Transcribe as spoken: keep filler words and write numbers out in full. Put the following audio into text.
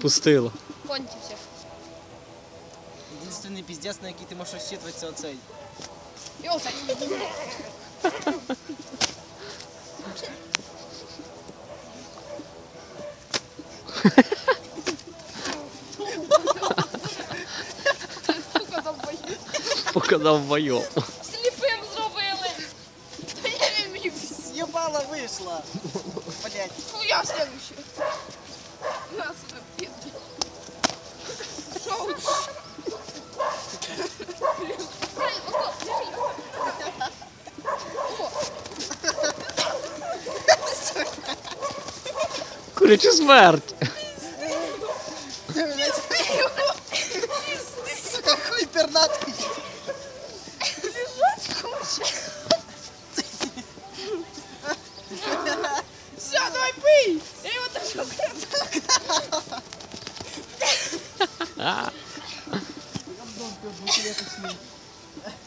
відпустило. Кончився. Єдиний піздець, на який ти можеш розчитувати, це оцей. І оцей. Показав бойов. Сліпим зробили. Та я не вмів. З'єбала вийшла. Блять. Хуя следующий. На сюда, пизди. Шоу. Блин. Ай, ото, держи. О. Куряча смерть. Сука, хуй пернатий. Лежать хоче. Все, давай пий. Я его даже А. Гандон, ты двухлеточный.